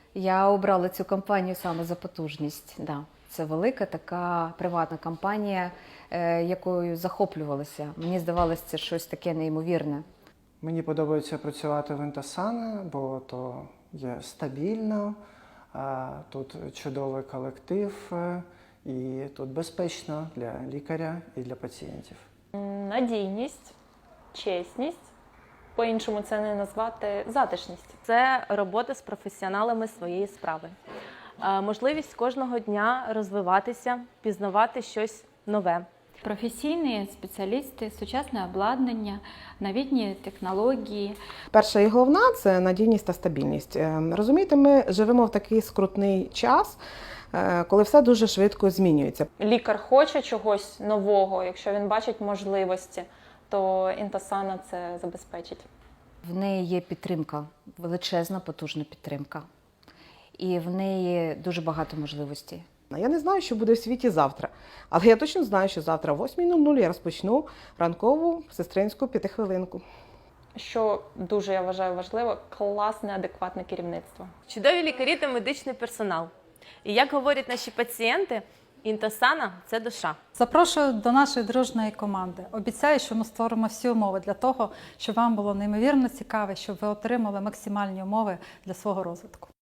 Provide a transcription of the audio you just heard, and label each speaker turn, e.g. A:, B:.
A: Я обрала цю компанію саме за потужність. Да. Це велика така приватна компанія, якою захоплювалася. Мені здавалося, це щось таке неймовірне.
B: Мені подобається працювати в Intosana, бо то є стабільно, тут чудовий колектив і тут безпечно для лікаря і для пацієнтів.
C: Надійність, чесність, по-іншому це не назвати, затишність. Це робота з професіоналами своєї справи. Можливість кожного дня розвиватися, пізнавати щось нове.
D: Професійні спеціалісти, сучасне обладнання, новітні технології.
E: Перша і головна – це надійність та стабільність. Розумієте, ми живемо в такий скрутний час, коли все дуже швидко змінюється.
C: Лікар хоче чогось нового, якщо він бачить можливості, то Intosana це забезпечить.
A: В неї є підтримка, величезна, потужна підтримка. І в неї дуже багато можливостей.
E: Я не знаю, що буде в світі завтра, але я точно знаю, що завтра о 8:00 я розпочну ранкову сестринську 5-хвилинку.
C: Що дуже, я вважаю, важливо – класне, адекватне керівництво.
F: Чудові лікарі та медичний персонал. І як говорять наші пацієнти, Intosana – це душа.
G: Запрошую до нашої дружної команди. Обіцяю, що ми створимо всі умови для того, щоб вам було неймовірно цікаво, щоб ви отримали максимальні умови для свого розвитку.